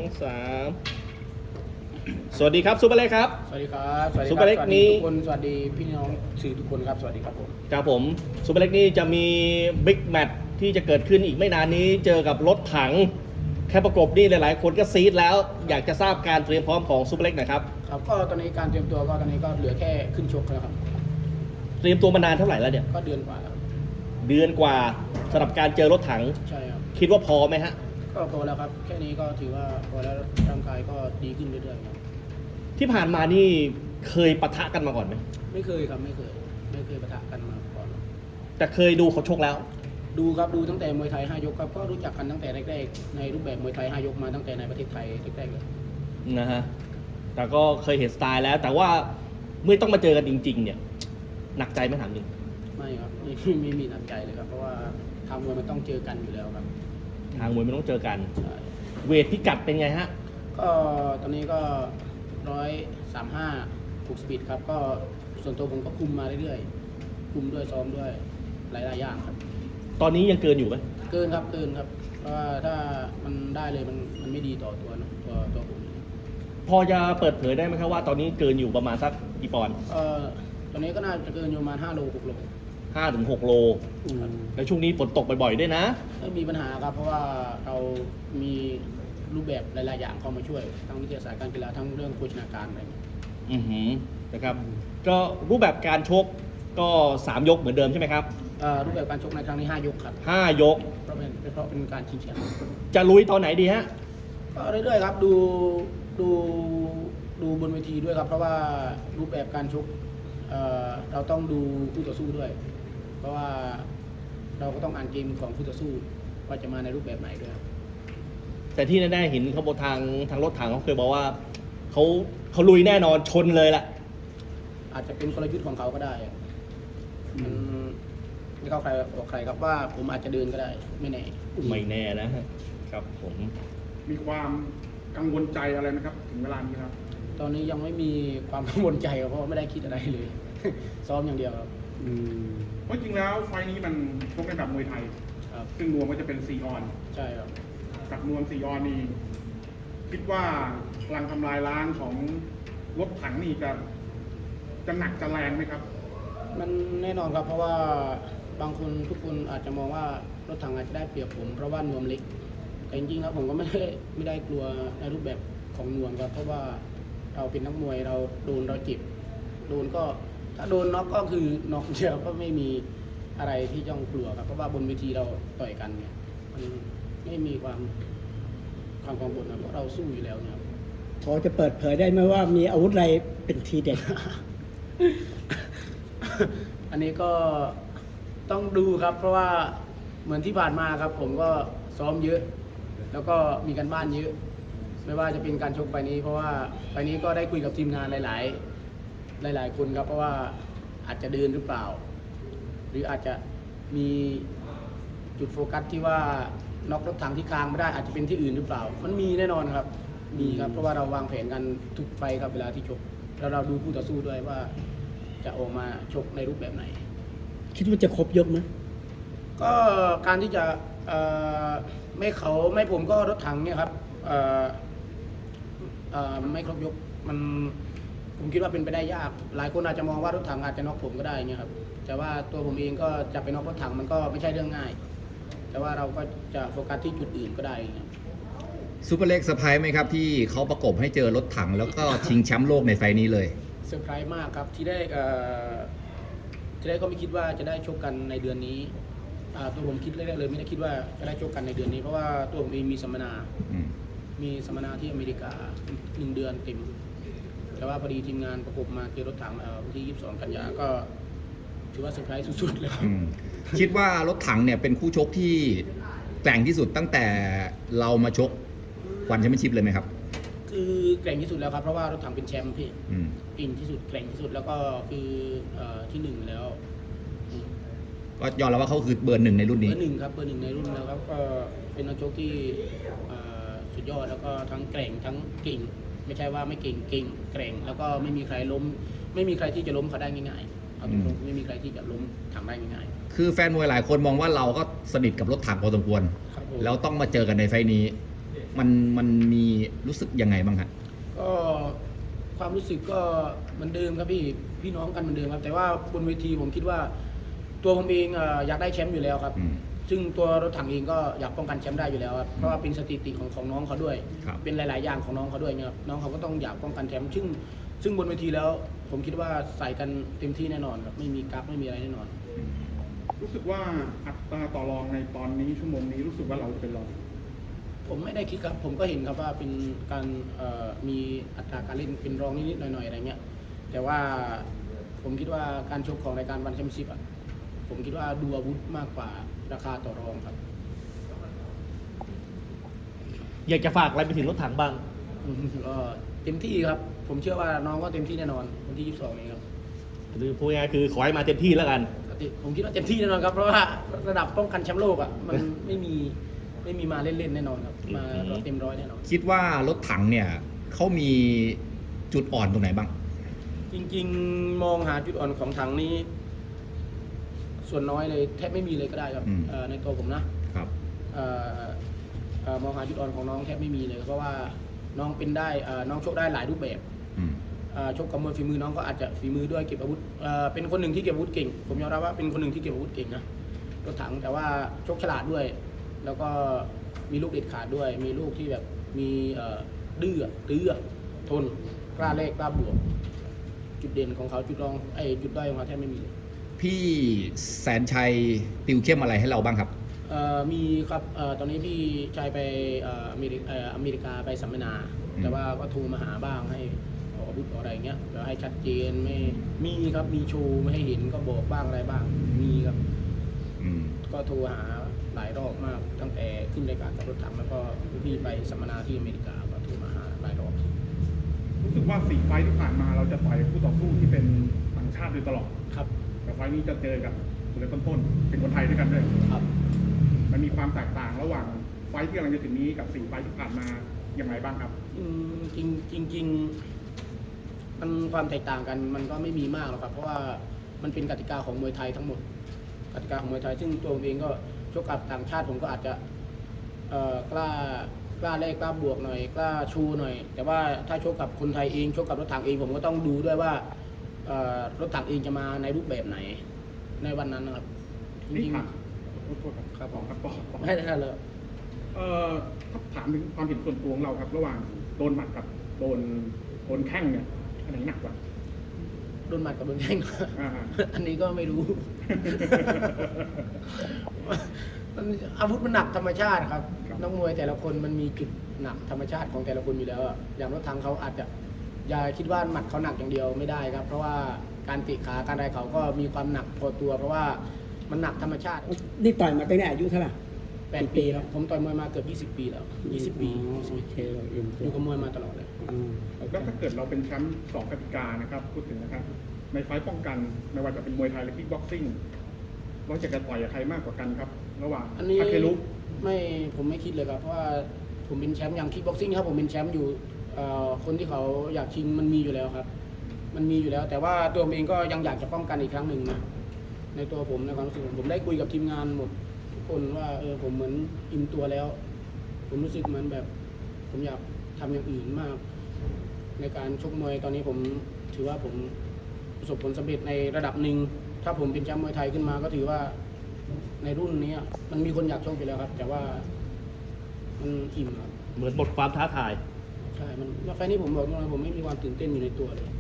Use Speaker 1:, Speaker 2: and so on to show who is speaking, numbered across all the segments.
Speaker 1: 3สวัสดีครับซูเปอร์เล็กครับ
Speaker 2: สวัสดีครับสวัสดี
Speaker 1: ซุปเปอร์เล็กนี้
Speaker 2: ทุกคนสวัสดีพี่น้องสื่อทุกคนครับสวัสดีครับผม
Speaker 1: ครับผมซูเปอร์เล็กนี่จะมีบิ๊กแมตช์ที่จะเกิดขึ้นอีกไม่นานนี้เจอกับรถถังแค่ประกบนี่หลายๆคนก็ซีดแล้วอยากจะทราบการเตรียมพร้อมของซูเปอร์เล็กหนะครับ
Speaker 2: ครับก็ตอนนี้การเตรียมตัวก็ตอนนี้ก็เหลือแค่ขึ้นชกแล้วครับ
Speaker 1: เตรียมตัวมานานเท่าไหร่แล้วเนี่ย
Speaker 2: ก็เดือนกว่าแล้ว
Speaker 1: เดือนกว่าสำหรับการเจอรถถัง
Speaker 2: ใช่ครับ
Speaker 1: คิดว่าพอไหมฮะ
Speaker 2: ก็พอแล้วครับแค่นี้ก็ถือว่าพอแล้วร่างกายก็ดีขึ้นเรื่อยๆครับ
Speaker 1: ที่ผ่านมานี่เคยปะทะกันมาก่อนไหม
Speaker 2: ไม่เคยครับไม่เคยปะทะกันมาก่อน
Speaker 1: แต่เคยดูเขาชกแล้ว
Speaker 2: ดูครับดูตั้งแต่มวยไทย5 ยกครับก็รู้จักกันตั้งแต่แรกๆในรูปแบบมวยไทย5 ยกมาตั้งแต่ในประเทศไทยแรกๆเลย
Speaker 1: นะฮะแต่ก็เคยเห็นสไตล์แล้วแต่ว่าเมื่อต้องมาเจอกันจริงๆเนี่ยหนักใจไหมถามจริง
Speaker 2: ไม่ครับไม่มีหนักใจเลยครับเพราะว่าทางมวยมันต้องเจอกันอยู่แล้วครับ
Speaker 1: ทางมวยไม่ต้องเจอกันเวทพิกัดเป็นไงฮะ
Speaker 2: ก็ตอนนี้ก็135ถูกสปีดครับก็ส่วนตัวผมก็คุมมาเรื่อยๆคุมด้วยซ้อมด้วยหลายๆอย่างครับ
Speaker 1: ตอนนี้ยังเกินอยู่ไหม
Speaker 2: เกินครับเพราะว่าถ้ามันได้เลยมันไม่ดีต่อตัวนะตัวผม
Speaker 1: พอจะเปิดเผยได้ไหมครับว่าตอนนี้เกินอยู่ประมาณสักกี่ปอนด์
Speaker 2: ตอนนี้ก็น่าจะเกินอยู่ประมาณ5 โล 6 โล
Speaker 1: 5 ถึง 6 โลแล้วช่วงนี้ฝนตกบ่อยๆด้วยนะ
Speaker 2: ไม่มีปัญหาครับเพราะว่าเรามีรูปแบบหลายๆอย่างเข้ามาช่วยทั้งวิทยาศาสตร์การกีฬาทั้งเรื่องโภชนาการอะไร
Speaker 1: นะครับก็รูปแบบการชกก็3 ยกเหมือนเดิมใช่ไหมครับ
Speaker 2: รูปแบบการชกในครั้งนี้5 ยกครับ
Speaker 1: 5 ยก
Speaker 2: เพราะเป็นการชิงแชมป์
Speaker 1: จะลุยตอนไหนดีฮะ
Speaker 2: ก็เรื่อยๆครับดูบนเวทีด้วยครับเพราะว่ารูปแบบการชกเราต้องดูคู่ต่อสู้ด้วย เพราะว่าเราก็ต้องอ่านเกมของคู่ต่อสู้ว่าจะมาในรูปแบบไหนด้วย
Speaker 1: แต่ที่แน่ๆเห็นเขาบอกทางรถถังเขาเคยบอกว่าเขาลุยแน่นอนชนเลยแหละ
Speaker 2: อาจจะเป็นกลยุทธ์ของเขาก็ได้มันไม่เข้าใครออกใครครับว่าผมอาจจะเดินก็ได้ไม่แน่
Speaker 1: นะครับผม
Speaker 3: มีความกังวลใจอะไรไหมครับถึงเวลานี้ครับ
Speaker 2: ตอนนี้ยังไม่มีความกังวลใจเพราะไม่ได้คิดอะไรเลย ซ้อมอย่างเดียวครับ
Speaker 3: เพราะจริงแล้วไฟนี้มันชกในแบบมวยไทยซึ่งรวมก็จะเป็น4 ออน
Speaker 2: ใช่ครับ
Speaker 3: กับรวม4 ออนนี่คิดว่าพลังทำลายล้างของรถถังนี่จะหนักจะแรงไหมครับ
Speaker 2: มันแน่นอนครับเพราะว่าบางคนทุกคนอาจจะมองว่ารถถังอาจจะได้เปรียบผมเพราะว่านวมเล็กแต่จริงๆครับผมก็ไม่ได้กลัวในรูปแบบของนวมครับเพราะว่าเราเป็นนักมวยเราโดนเราเจ็บโดนก็ถ้าโดนน็อกก็คือน็อกเดียวก็ไม่มีอะไรที่ต้องกลัวครับเพราะว่าบนเวทีเราต่อยกันเนี่ยมันไม่มีความกังวลนะเพราะเราสู้อยู่แล้วเนี่ย
Speaker 4: พอจะเปิดเผยได้ไหมว่ามีอาวุธอะไรเป็นทีเด็ด
Speaker 2: อันนี้ก็ต้องดูครับเพราะว่าเหมือนที่ผ่านมาครับผมก็ซ้อมเยอะแล้วก็มีการบ้านเยอะไม่ว่าจะเป็นการชกไฟนี้เพราะว่าไฟนี้ก็ได้คุยกับทีมงานหลายคนครับเพราะว่าอาจจะเดินหรือเปล่าหรืออาจจะมีจุดโฟกัสที่ว่าน็อกรถถังที่คางไม่ได้อาจจะเป็นที่อื่นหรือเปล่ามันมีแน่นอนครับมีครับเพราะว่าเราวางแผนกันทุกไฟครับเวลาที่ชกแล้วเราดูคู่ต่อสู้ด้วยว่าจะออกมาชกในรูปแบบไหน
Speaker 4: คิดว่าจะครบยกไหม
Speaker 2: ก็การที่จะไม่ผมก็รถถังเนี่ยครับไม่ครบยกผมคิดว่าเป็นไปได้ยากหลายคนอาจจะมองว่ารถถังอาจจะน็อกผมก็ได้เนี่ยครับแต่ว่าตัวผมเองก็จะไปน็อกรถถังมันก็ไม่ใช่เรื่องง่ายแต่ว่าเราก็จะโฟกัสที่จุดอื่นก็ได้
Speaker 5: ซูเปอร์เล็กเซอร์ไพรส์ไหมครับที่เขาประกบให้เจอรถถังแล้วก็ชิงแชมป์โลกในไฟนี้เลย
Speaker 2: เซอร์ไพรส์มากครับที่ได้ก็ไม่คิดว่าจะได้ชกกันในเดือนนี้ตัวผมคิดแรกๆเลยไม่ได้คิดว่าจะได้ชกกันในเดือนนี้เพราะว่าตัวผมเองมีสัมมนาที่อเมริกา1 เดือนเต็มแต่ว่าพอดีทีมงานประกบมาเจอรถถังวันที่22 กันยาก็ถือว่าเซอร์ไพรส์สุดๆเลย
Speaker 5: คิดว่ารถถังเนี่ยเป็นคู่ชกที่แกร่งที่สุดตั้งแต่เรามาชกวันแชมเปี้ยนชิพเลยไหมครับ
Speaker 2: คือแกร่งที่สุดแล้วครับเพราะว่ารถถังเป็นแชมป์พี่เก่งที่สุดแกร่งที่สุดแล้วก็คือที่1แล้ว
Speaker 5: ก็ยอมรับว่าเขาคือเบอร์ 1ในรุ่นนี้
Speaker 2: เบอร์ 1ครับเบอร์ 1ในรุ่นแล้วครับก็เป็นนักชกที่สุดยอดแล้วก็ทั้งแกร่งทั้งเก่งไม่ใช่ว่าไม่เก่งแกร่งแล้วก็ไม่มีใครล้มไม่มีใครที่จะล้มเขาได้ง่ายๆเอาตรงๆไม่มีใครที่จะล้มถังได้ง่าย
Speaker 5: ๆคือแฟนมวยหลายคนมองว่าเราก็สนิทกับรถถังพอสมควรแล้วต้องมาเจอกันในไฟนี้มันมีรู้สึกยังไงบ้างครับ
Speaker 2: ก็ความรู้สึกก็เหมือนเดิมครับพี่น้องกันเหมือนเดิมครับแต่ว่าบนเวทีผมคิดว่าตัวผมเองอยากได้แชมป์อยู่แล้วครับ
Speaker 5: อืม
Speaker 2: ซึ่งตัวรถถังเองก็อยากป้องกันแชมป์ได้อยู่แล้วครับเพราะว่าเป็นสถิติของน้องเขาด้วย
Speaker 5: ครับ
Speaker 2: เป็นหลาย ๆ อย่างของน้องเขาด้วยเนี่ยครับน้องเขาก็ต้องอยากป้องกันแชมป์ซึ่งบนเวทีแล้ว ผมคิดว่าใส่กันเต็มที่แน่นอนครับไม่มีกั๊กไม่มีอะไรแน่นอน
Speaker 3: รู้สึกว่าอัตราต่อรองในตอนนี้ชั่วโมงนี้รู้สึกว่าเราจะเป็นรอง
Speaker 2: ผมไม่ได้คิดครับผมก็เห็นครับว่าเป็นการมีอัตราการเล่นเป็นรองนิดๆหน่อยๆอะไรเงี้ยแต่ว่าผมคิดว่าการชกของรายการวันแชมเปี้ยนชิพอ่ะผมคิดว่าดูอาวุธมากกว่าราคาต่อรองครับ
Speaker 1: อยากจะฝากอะไรไปถึงรถถังบ้าง
Speaker 2: ก็เต็มที่ครับ ผมเชื่อว่าน้องก็เต็มที่แน่นอนวันที่ 22 นี้ครับ
Speaker 1: หรือพูดง่ายๆคือขอให้มาเต็มที่แล้วกัน
Speaker 2: ผมคิดว่าเต็มที่แน่นอนครับเพราะว่าระดับป้องกันแชมป์โลกอ่ะมันไม่มีมาเล่นๆแน่นอนครับมาเต็มร้อยแน่นอน
Speaker 5: คิดว่ารถถังเนี่ยเขามีจุดอ่อนตรงไหนบ้าง
Speaker 2: จริงๆมองหาจุดอ่อนของถังนี้ ส่วนน้อยเลยแทบไม่มีเลยก็ได้ครับ
Speaker 5: อืม
Speaker 2: ในตัวผมนะครับ มองหาจุดอ่อนของน้องแทบไม่มีเลย เพราะว่าน้องเป็นได้น้องชกได้หลายรูปแบบ
Speaker 5: อืม
Speaker 2: ชกกับมวยฝีมือน้องก็อาจจะฝีมือด้วยเก็บอาวุธเป็นคนหนึ่งที่เก็บอาวุธเก่งผมยอมรับว่าเป็นคนหนึ่งที่เก็บอาวุธเก่งนะรถถังแต่ว่าชกฉลาดด้วย แล้วก็มีลูกเด็ดขาดด้วย มีลูกที่แบบมีดื้อตื้อทนกล้าแลกกล้าบวก จุดเด่นของเขาจุดด้อยของเขาแทบไม่มีเลย
Speaker 5: พี่แสนชัยติวเข้มอะไรให้เราบ้างครับ
Speaker 2: มีครับตอนนี้พี่ชายไปอเมริกาไปสัมมนา
Speaker 5: อืม
Speaker 2: แต่ว่าก็โทรมาหาบ้างให้ออกอาวุธออกอะไรอย่างเงี้ยแล้วให้ชัดเจนไม่มีครับมีโชว์ไม่ให้เห็นก็บอกบ้างอะไรบ้างมีครับ
Speaker 5: อืม
Speaker 2: ก็โทรหาหลายรอบมากตั้งแต่ขึ้นรายการกับรถถังแล้วก็พี่ไปสัมมนาที่อเมริกาก็โทรมาหาหลายรอบ
Speaker 3: รู้สึกว่า4 ไฟท์ที่ผ่านมาเราจะต่อยคู่ต่อสู้ที่เป็นต่างชาติโดยตลอด
Speaker 2: ครับ
Speaker 3: แต่ไฟท์นี้จะเจอกับคนเล่นต้นๆเป็นคนไทยด้วยกันด้วย
Speaker 2: ครับ
Speaker 3: มันมีความแตกต่างระหว่างไฟท์ที่กำลังจะถึงนี้กับ4 ไฟท์ที่ผ่านมาอย่างไรบ้างครับ
Speaker 2: จริงมันความแตกต่างกันมันก็ไม่มีมากหรอกครับ เพราะว่ามันเป็นกติกาของมวยไทยทั้งหมด กติกาของมวยไทยซึ่งตัวผมเองก็ชกกับต่างชาติผมก็อาจจะกล้าแลกกล้าบวกหน่อยกล้าชูหน่อย แต่ว่าถ้าชกกับคนไทยเองชกกับรถถังเองผมก็ต้องดูด้วยว่ารถถังเองจะมาในรูปแบบไหนในวันนั้นนะครับจ
Speaker 3: นี่
Speaker 2: ริง
Speaker 3: ค่ะโทษครับ
Speaker 2: ครับ
Speaker 3: ต่อครับต่อ
Speaker 2: ๆไม่ได้เลย
Speaker 3: ถ้าถามถึงความเห็นส่วนตัวของเราครับ ระหว่างโดนหมัดกับโดนแข้งเนี่ยอันไหนหนักกว่า
Speaker 2: โดนหมัดกับโดนแข้ง
Speaker 3: อ่า
Speaker 2: อันนี้ก็ไม่รู้ มันอาวุธมันหนักธรรมชาติครับ
Speaker 3: ครับ
Speaker 2: นักมวยแต่ละคนมันมีจุดหนักธรรมชาติของแต่ละคนอยู่แล้วอะอย่างรถถังเขาอาจจะอย่าคิดว่าหมัดเขาหนักอย่างเดียวไม่ได้ครับ เพราะว่าการเตะขาการอะไรเขาก็มีความหนักพอตัว เพราะว่ามันหนักธรรมชาติ
Speaker 4: นี่ต่อยมาตั้งแต่อายุเท่าไหร่
Speaker 2: 8 ปีแล้วผมต่อยมวยมาเกือบ20 ปีแล้ว20 ปี
Speaker 4: อ๋อโอเคเราเอ็น
Speaker 2: อยู่กับมวยมาตลอดเลย
Speaker 3: แล้วถ้าเกิดเราเป็นแชมป์2 กติกานะครับพูดถึงนะครับในไฟท์ป้องกันไม่ว่าจะเป็นมวยไทยหรือคิกบ็อกซิ่งเราจะต่อยกับใครมากกว่ากันครับ ระหว่าง
Speaker 2: อันนี้
Speaker 3: ทาเคลุ
Speaker 2: ผมไม่คิดเลยครับเพราะว่าผมเป็นแชมป์อย่างคิกบ็อกซิ่งครับผมเป็นแชมป์อยู่คนที่เขาอยากชิงมันมีอยู่แล้วครับ มันมีอยู่แล้ว แต่ว่าตัวผมเองก็ยังอยากจะป้องกันอีกครั้งหนึ่งนะในตัวผมในความรู้สึกผมได้คุยกับทีมงานหมดทุกคนว่าผมเหมือนอิ่มตัวแล้ว ผมรู้สึกเหมือนแบบ ผมอยากทำอย่างอื่นมาก ในการชกมวยตอนนี้ผมถือว่าผมประสบผลสำเร็จในระดับหนึ่งถ้าผมเป็นแชมป์มวยไทยขึ้นมาก็ถือว่าในรุ่นนี้มันมีคนอยากชกอยู่แล้วครับ แต่ว่ามันอิ่มครับ
Speaker 1: เหมือนหมดความท้าทาย
Speaker 2: ใช่มันไฟล์นี้ผมบอกตรงๆผมไม่มีความตื่นเต้นอยู่ในตัวเลย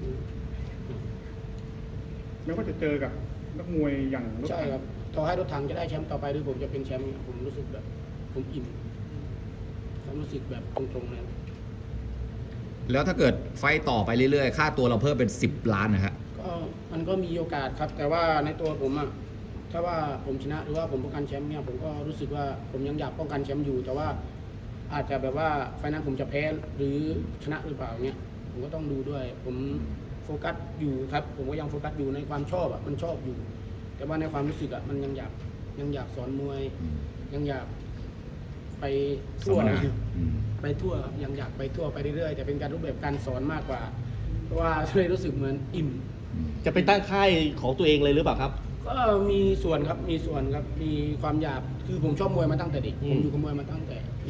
Speaker 3: ไม่ว่าจะเจอกับนักมวยอย่างรถ
Speaker 2: ใช่
Speaker 3: ถัง
Speaker 2: ครับต่อให้รถถังจะได้แชมป์ต่อไปหรือผมจะเป็นแชมป์เนี่ยผมรู้สึกแบบผมอิ่มความรู้สึกแบบตรงๆเลย
Speaker 5: แล้วถ้าเกิดไฟต์ต่อไปเรื่อยๆ ค่าตัวเราเพิ่มเป็น 10 ล้านนะฮะ
Speaker 2: ก็มันก็มีโอกาสครับ แต่ว่าในตัวผมอะถ้าว่าผมชนะหรือว่าผมป้องกันแชมป์เนี่ยผมก็รู้สึกว่าผมยังอยากป้องกันแชมป์อยู่ แต่ว่าอาจจะแบบว่าไฟล์นั้นผมจะแพ้หรือชนะหรือเปล่าเนี่ยผมก็ต้องดูด้วย ผมโฟกัสอยู่ครับ ผมก็ยังโฟกัสอยู่ในความชอบอะมันชอบอยู่ แต่ว่าในความรู้สึกอะมันยังอยากสอนมวย ยังอยากไปทั่ว
Speaker 5: สัมม
Speaker 2: นะ
Speaker 5: นาอืม
Speaker 2: ไปทั่วครับยังอยากไปทั่วไปเรื่อยๆแต่เป็นการรูปแบบการสอนมากกว่า เพราะว่าเลยรู้สึกเหมือนอิ่ม
Speaker 1: จะไปตั้งค่ายของตัวเองเลยหรือเปล่าครับ
Speaker 2: ก็มีส่วนครับมีความอยากคือผมชอบมวยมาตั้งแต่เด็ก
Speaker 1: อืม
Speaker 2: ผมอยู่กับมวยมาตั้งแต่เล็ก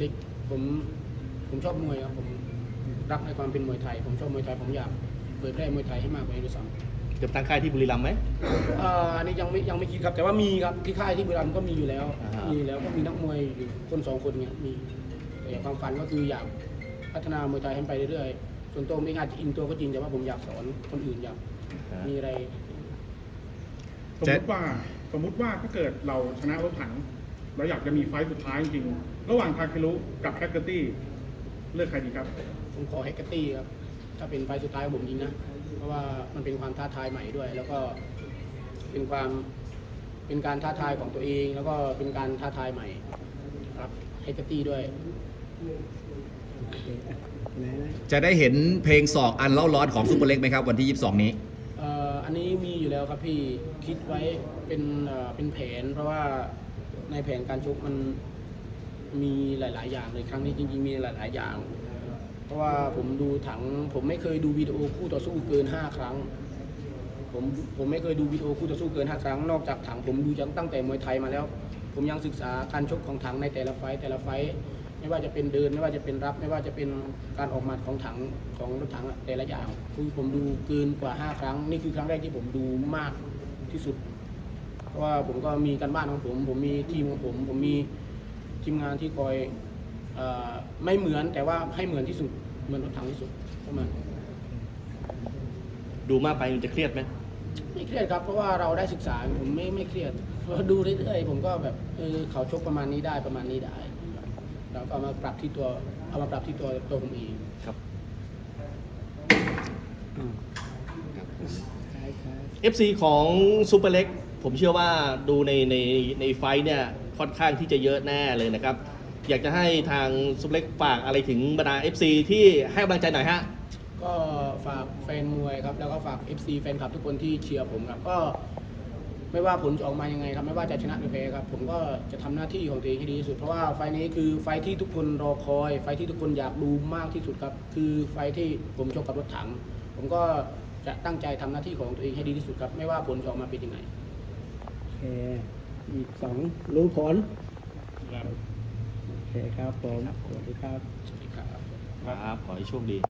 Speaker 2: ผมชอบมวยครับผมรักในความเป็นมวยไทย ผมชอบมวยไทยผมอยากเผยแพร่มวยไทยให้มากกว่านี้ด้วยซ้ำ
Speaker 1: จะตั้งค่ายที่บุรีรัมย์ไหม
Speaker 2: อันนี้ยังไม่คิดครับ แต่ว่ามีครับที่ค่ายที่บุรีรัมย์ก็มีอยู่แล้ว
Speaker 1: อ่าฮะ
Speaker 2: มีอยู่แล้วก็มีนักมวยอยู่คน2 คนเนี่ยมีแต่ความฝันก็คืออยากพัฒนามวยไทยให้ไปเรื่อยๆส่วนตัวผมเองอาจจะอินตัวก็จริงแต่ว่าผมอยากสอนคนอื่นอยากมีอะไร
Speaker 3: สมมติว่าถ้าเกิดเราชนะรถถังเราอยากจะมีไฟต์สุดท้ายจริงๆระหว่างทาเคลุกับแฮกเกอร์ตี้เลือกใครดีครับ
Speaker 2: ผมขอแฮกเกอร์ตี้ครับถ้าเป็นไฟล์สุดท้ายของผมจริงนะเพราะว่ามันเป็นความท้าทายใหม่ด้วย แล้วก็เป็นการท้าทายของตัวเอง แล้วก็เป็นการท้าทายใหม่ครับแฮกเกอร์ตี้ด้วย
Speaker 4: โอเคอ่ะไหนนะ
Speaker 5: จะได้เห็นเพลงศอกอันเล่าร้อนของซุปเปอร์เล็กไหมครับวันที่ 22 นี้
Speaker 2: อันนี้มีอยู่แล้วครับพี่คิดไว้เป็นแผน เพราะว่าในแผนการชกมันมีหลาย ๆ อย่างเลยครั้งนี้จริง ๆ มีหลาย ๆ อย่าง เพราะว่าผมดูถังผมไม่เคยดูวิดีโอคู่ต่อสู้เกิน5 ครั้งผมไม่เคยดูวิดีโอคู่ต่อสู้เกิน5 ครั้งนอกจากถังผมดูตั้งแต่มวยไทยมาแล้ว ผมยังศึกษาการชกของถังในแต่ละไฟต์ไม่ว่าจะเป็นเดินไม่ว่าจะเป็นรับ ไม่ว่าจะเป็นการออกหมัดของถังของรถถังแต่ละอย่างคือผมดูเกินกว่า5 ครั้งนี่คือครั้งแรกที่ผมดูมากที่สุด เพราะว่าผมก็มีการบ้านของผมมีทีมของผมมีทีมงานที่คอยไม่เหมือนแต่ว่าให้เหมือนที่สุดเหมือนรถถังที่สุดประมาณ
Speaker 1: ดูมากไปมันจะเครียดไหม
Speaker 2: ไม่เครียดครับเพราะว่าเราได้ศึกษาผมไม่เครียดเพราะดูเรื่อยๆผมก็แบบเขาชกประมาณนี้ได้เราก็เอามาปรับที่ตัวผมเอง
Speaker 1: ครับ
Speaker 4: อ่าคล้าย
Speaker 1: FC ของซูเปอร์เล็กผมเชื่อว่าดูในไฟท์เนี่ยค่อนข้างที่จะเยอะแน่เลยนะครับ อยากจะให้ทางซูเปอร์เล็กฝากอะไรถึงบรรดา FC ที่ให้กำลังใจหน่อยฮะ
Speaker 2: ก็ฝากแฟนมวยครับแล้วก็ฝาก FC แฟนคลับทุกคนที่เชียร์ผมครับก็ไม่ว่าผลจะออกมายังไงครับไม่ว่าจะชนะหรือแพ้ครับผมก็จะทำหน้าที่ของตัวเองให้ดีที่สุดเพราะว่าไฟล์นี้คือไฟล์ที่ทุกคนรอคอยไฟล์ที่ทุกคนอยากดูมากที่สุดครับคือไฟล์ที่ผมชกกับรถถังผมก็จะตั้งใจทำหน้าที่ของตัวเองให้ดีที่สุดครับไม่ว่าผลจะออกมาเป็นยังไง
Speaker 4: ๆโอเคอีก2รู้ผลโอเคครับผมสวัสดีครับ
Speaker 2: สวัสดีครับ
Speaker 1: ครับ ขอให้โชคดี